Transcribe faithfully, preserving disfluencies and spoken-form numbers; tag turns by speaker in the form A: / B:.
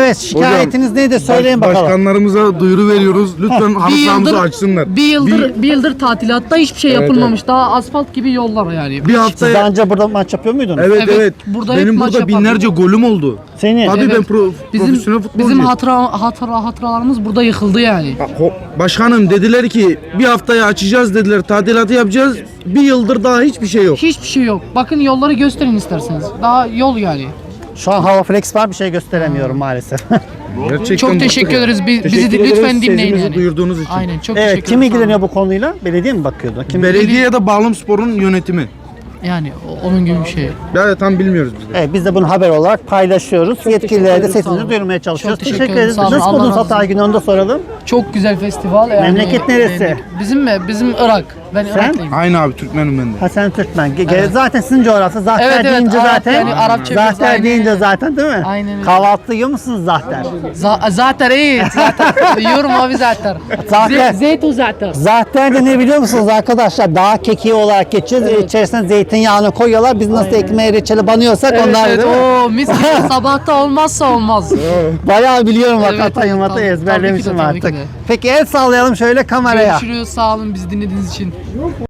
A: Evet, şikayetiniz neydi söyleyin
B: baş-
A: bakalım.
B: Başkanlarımıza duyuru veriyoruz. Lütfen halı
C: Bir
B: sahamızı
C: yıldır,
B: açsınlar.
C: bir yıldır, bir, yıldır tatilatta hiçbir şey
B: Evet,
C: yapılmamış. Daha asfalt gibi yollar yani.
B: bir
A: Siz
B: haftaya...
A: daha önce burada maç yapıyor muydunuz?
B: Evet evet.
C: Evet, burada hep
B: Benim
C: maç
B: burada
C: yapardım.
B: binlerce golüm oldu.
A: Senin.
B: Abi ben
C: Evet.
B: pro,
C: Bizim
B: profesyonel futbolcuyum.
C: bizim hatıra, hatıra hatıralarımız burada yıkıldı yani.
B: Ho- Başkanım dediler ki bir haftaya açacağız dediler. Tadilatı yapacağız. Bir yıldır daha hiçbir şey yok.
C: Hiçbir şey yok. Bakın yolları gösterin isterseniz. Daha yol yani.
A: Şu an hava flex var, bir şey gösteremiyorum maalesef.
B: Gerçekten
C: Çok
B: bıktık
C: teşekkür
B: ya.
C: ederiz. Bi- bizi
B: Teşekkür
C: de lütfen
B: ederiz
C: dinleyin
B: sesimizi
C: yani.
B: duyurduğunuz için.
C: Aynen, çok
A: Evet,
C: teşekkür
A: kim
C: ederim.
A: ilgileniyor bu konuyla? Belediye mi bakıyordu? Kim?
B: Belediye ya da Bağlamspor'un yönetimi.
C: Yani o- onun gibi bir şey.
B: Ya tam bilmiyoruz biz de.
A: Evet, biz de bunu haber olarak paylaşıyoruz. Yetkililere de
C: ederim, sağ
A: sesimizi
C: olun.
A: duyurmaya çalışıyoruz.
C: Çok teşekkür
A: Teşekkür
C: ederim,
A: ederiz.
C: sağ olun.
A: Nasıl
C: Allah
A: buldunuz
C: razı olsun.
A: Hatay günü, onu da soralım.
C: Çok güzel festival. Yani,
A: Memleket neresi?
C: e, Bizim mi? Bizim Irak. Ben
A: Sen?
C: Iraklıyım.
B: Aynı abi Türkmenim ben de.
A: Ha sen Türkmen. Ge- ge- Zaten sizin coğrafya. Zahter
C: Evet, evet,
A: deyince
C: Arap
A: zaten.
C: yani, Arapça biraz,
A: Zahter
C: aynen
A: deyince
C: öyle.
A: zaten değil mi?
C: Aynen öyle.
A: Kahvaltı yiyor musunuz zahter?
C: Za- zaten iyi. Zaten. Yiyorum abi zaten.
A: Zaten.
C: Ze- Zeytin zaten.
A: Zahter de ne biliyor musunuz arkadaşlar? Dağ kekiği olarak geçiyor. İçerisine zeytinyağını koyuyorlar. Biz nasıl ekmeğe reçeli banıyorsak
C: Evet,
A: onlar
C: evet.
A: değil mi?
C: Oo, mis gibi sabahta olmazsa olmaz.
A: Bayağı biliyorum bak,
C: Evet,
A: Hatay
C: evet,
A: Hatay
C: tabii-
A: ezberlemişim
C: tabii ki de, tabii
A: artık.
C: ki de.
A: Peki el sallayalım şöyle kameraya.
C: Görüşürüz. Sağ olun bizi dinlediğiniz için.